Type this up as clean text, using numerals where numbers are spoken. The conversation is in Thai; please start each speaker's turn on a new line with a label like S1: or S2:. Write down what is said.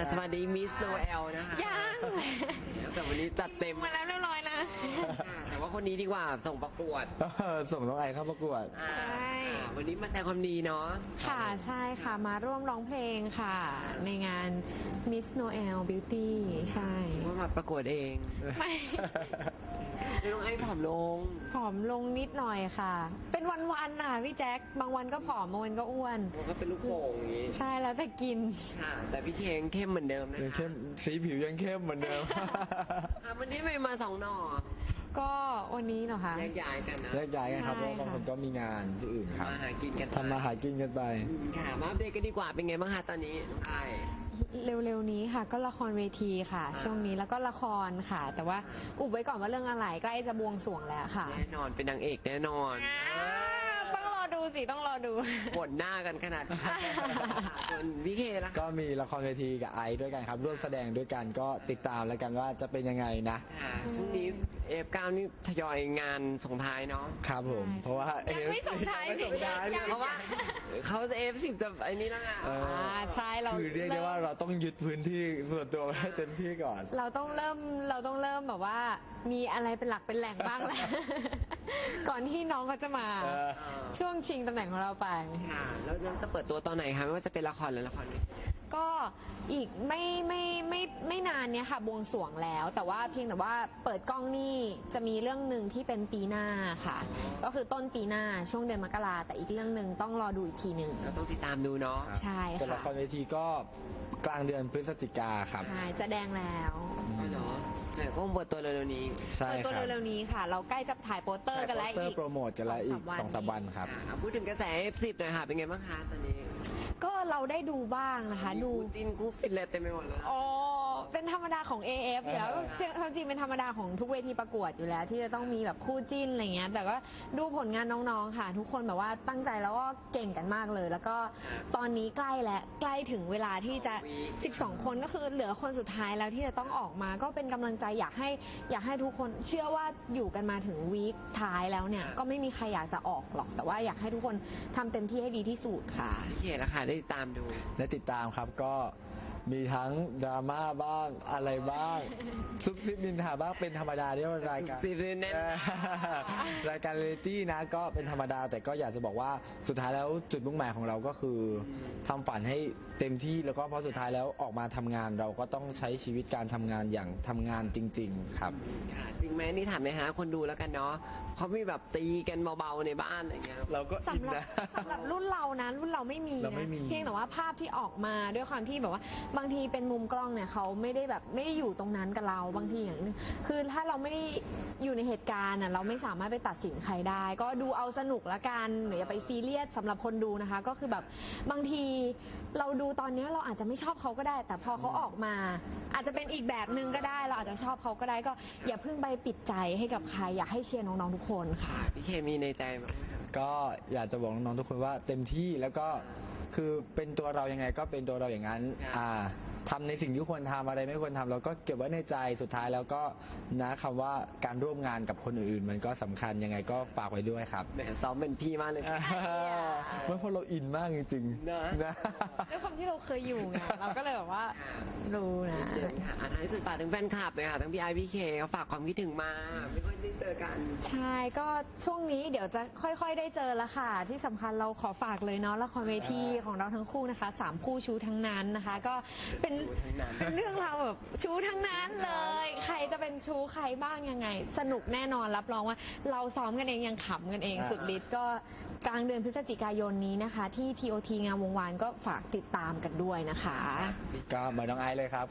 S1: สวัสดีมิสโนเอลนะคะ
S2: ยัง
S1: แต่วันนี้จัดเต็ม
S2: มาแล้วเรียบร้อยแล้ว
S1: แต่ว่าคนนี้ดีกว่าส่งประกวด
S3: ส่งน้องไอเข้าประกวด
S1: วันนี้มาแสดงความดีเนาะ
S2: ค่ะใช่ค่ะมาร่วมร้องเพลงค่ะ ในงาน Miss Noel Beauty ใช่
S1: ว่ามาประกวดเอง
S2: ไม่
S1: น้องไอผอมลง
S2: ผอมลงนิดหน่อยค่ะ เป็นวันๆน่ะพี่แจ๊คบางวันก็ผอมบางวันก็อ้วน
S1: ก็เป็นลูกโป่งอย่างนี้
S2: ใช่แล้วแต่กิน
S1: ค่ะแต่พี่เคงเข้มเหมือนเดิมนะคะ
S3: เข้มสีผิวยังเข้มเหมือนเดิม
S1: วันนี้ไม่มา2 หน่อ
S2: ก็วันนี้เหรอคะ
S1: แยกย้ายกันนะ
S3: แยกย้ายกันครับเพราะบางคนก็มีงานที่อื่นครับ
S1: มาหากินกัน
S3: ทำมาหากินกันไป
S1: ค่ะมาอัปเดตกันดีกว่าเป็นไงบ้างคะตอนนี้น้องไอ
S2: เร็วๆนี้ค่ะก็ละครเวทีค่ะ ช่วงนี้แล้วก็ละครค่ะ แต่ว่าอุบไว้ก่อนว่าเรื่องอะไรใกล้จะบวงสรวงแล้วค่ะ
S1: แน่นอนเป็นนางเอกแน่นอน
S2: ต้องรอดูสิต้องรอดู
S1: ปวดหน้ากันขนาดส่วนพี่เคล่ะ
S3: ก็มีละครเวทีกับไอซ์ด้วยกันครับร่วมแสดงด้วยกันก็ติดตามแล้วกันว่าจะเป็นยังไงนะ
S1: ช่วงนี้F9นี่ทยอยงานส่งท้ายเนาะ
S3: ครับผมเพราะว่า
S2: ยังไม่ส่งท้ายสิ
S1: เพราะว่าเขาจะ F10 จะไอ้นี่แล้วไง
S2: ใช่เรา
S3: คือเรียกได้ว่าเราต้องยึดพื้นที่ส่วนตัวให้เต็มที่ก่อน
S2: เราต้องเริ่มแบบว่ามีอะไรเป็นหลักเป็นแหล่งบ้างแล้วก่อนที่น้องเขาจะมาช่วงชิงตำแหน่งของเราไป
S1: ค่ะแล้วจะเปิดตัวตอนไหนคะไม่ว่าจะเป็นละครหรือละคร
S2: ก็อีกไม่นานเนี้ยค่ะบวงสรวงแล้วแต่ว่าเพียงแต่ว่าเปิดกล้องนี่จะมีเรื่องหนึ่งที่เป็นปีหน้าค่ะก็คือต้นปีหน้าช่วงเดือนมกราแต่อีกเรื่องหนึ่งต้องรอดูอีกทีหนึ่ง
S1: เราต้องติดตามดูเนาะ
S2: ใช่ค่ะ
S3: ส่วนละครเวทีก็กลางเดือนพฤศจิกาครับ
S2: ใช่แสดงแล้ว
S1: เหรอแต่ก็เปิดตัวเร็วๆนี้
S3: ใช่ครับ
S2: เปิดตัวเร็วๆนี้ค่ะเราใกล้จะถ่ายโปสเตอร์กันแล้วอีก
S3: โปรโมทกันแล้วอีก 2-3 วันครับ
S1: พูดถึงกระแส F10 หน่อยค่ะเป็นไงบ้างคะตอนนี้
S2: ก็เราได้ดูบ้างนะคะดู
S1: จินกูฟิตเลยเต็มไปหมดเลย
S2: อ๋อเป็นธรรมดาของ AF อยู่แล้วจริงเป็นธรรมดาของทุกเวทีประกวดอยู่แล้ว ที่จะต้องมีแบบคู่จิ้นอะไรเงี้ยแต่ก็ดูผลงานน้องๆค่ะทุกคนแบบว่าตั้งใจแล้วก็เก่งกันมากเลย แล้วก็ตอนนี้ใกล้แล้วใกล้ถึงเวลาที่จะ12 คนก็คือเหลือคนสุดท้ายแล้วที่จะต้องออกมาก็เป็นกำลังใจอยากให้ทุกคนเชื่อว่าอยู่กันมาถึงวีคท้ายแล้วเนี่ยก็ไม่มีใครอยากจะออกหรอกแต่ว่าอยากให้ทุกคนทำเต็มที่ให้ดีที่สุดค่ะ
S1: พี่เขตละค่ะได้ติดตามดู
S3: ได้ติดตามครับก็มีทั้งดราม่าบ้างอะไรบ้างซุบซิบนินทาบ้างเป็นธรรมดาที่รายการรายการเรยตี้นะก็เป็นธรรมดาแต่ก็อยากจะบอกว่าสุดท้ายแล้วจุดมุ่งหมายของเราก็คือทำฝันให้เต็มที่แล้วก็เพราะสุดท้ายแล้วออกมาทำงานเราก็ต้องใช้ชีวิตการทำงานอย่างทำงานจริงๆครับ
S1: จริงไหมนี่ถามไหมฮะคนดูแล้วกันเนาะเขามีแบบตีกันเบาๆในบ้านอะไรเงี้ย
S3: เราก็อินนะ
S2: สำหรับรุ่นเรานะรุ่นเราไม่มีนะเพียงแต่ว่าภาพที่ออกมาด้วยความที่แบบว่าบางทีเป็นมุมกล้องเนี่ยเขาไม่ได้อยู่ตรงนั้นกับเราบางทีอย่างนึงคือถ้าเราไม่ได้อยู่ในเหตุการณ์เราไม่สามารถไปตัดสินใครได้ก็ดูเอาสนุกละกันอย่าไปซีเรียสสำหรับคนดูนะคะก็คือแบบบางทีเราดูตอนนี้เราอาจจะไม่ชอบเขาก็ได้ แต่พอเขาออกมาอาจจะเป็นอีกแบบนึงก็ได้เราอาจจะชอบเขาก็ได้ก็อย่าเพิ่งไปปิดใจให้กับใครอยากให้เชียร์น้องๆทุกคนค่ะ
S1: พี่เคมีในใจมั้ย
S3: ก็อยากจะบอกน้องๆทุกคนว่าเต็มที่แล้วก็คือเป็นตัวเรายังไงก็เป็นตัวเราอย่างนั้นทำในสิ่งที่ควรทำอะไรไม่ควรทำเราก็เก็บไว้ในใจสุดท้ายแล้วก็นะคำว่าการร่วมงานกับคนอื่นๆมันก็สำคัญยังไงก็ฝากไว้ด้วยครับ
S1: แหมซ้อมเป็นพี่มากเลย
S3: เพราะเราอินมากจริงๆ
S2: นะด้วยความที่เราเคยอยู่ไงเราก็เลยแบบว่ารู้นะ
S1: ท้ายสุดฝากถึงแฟนคลับเลยค่ะทั้งพี่ไอพี่เคเขาฝากความคิดถึงมาไม่ค่อยได้เจอกัน
S2: ใช่ก็ช่วงนี้เดี๋ยวจะค่อยๆได้เจอแล้วค่ะที่สำคัญเราขอฝากเลยเนาะละครเวทีของเราทั้งคู่นะคะ3คู่ชูทั้งนั้นนะคะก็เป็นเรื่องราวแบบชูทั้งนั้นเลยใครจะเป็นชูใครบ้างยังไงสนุกแน่นอนรับรองว่าเราซ้อมกันเองยังขำกันเองสุดฤทธิ์ก็กลางเดือนพฤศจิกายนนี้นะคะที่ TOT งามวงวานก็ฝากติดตามกันด้วยนะคะ
S3: ก็มาน้องไอซ์เลยครับ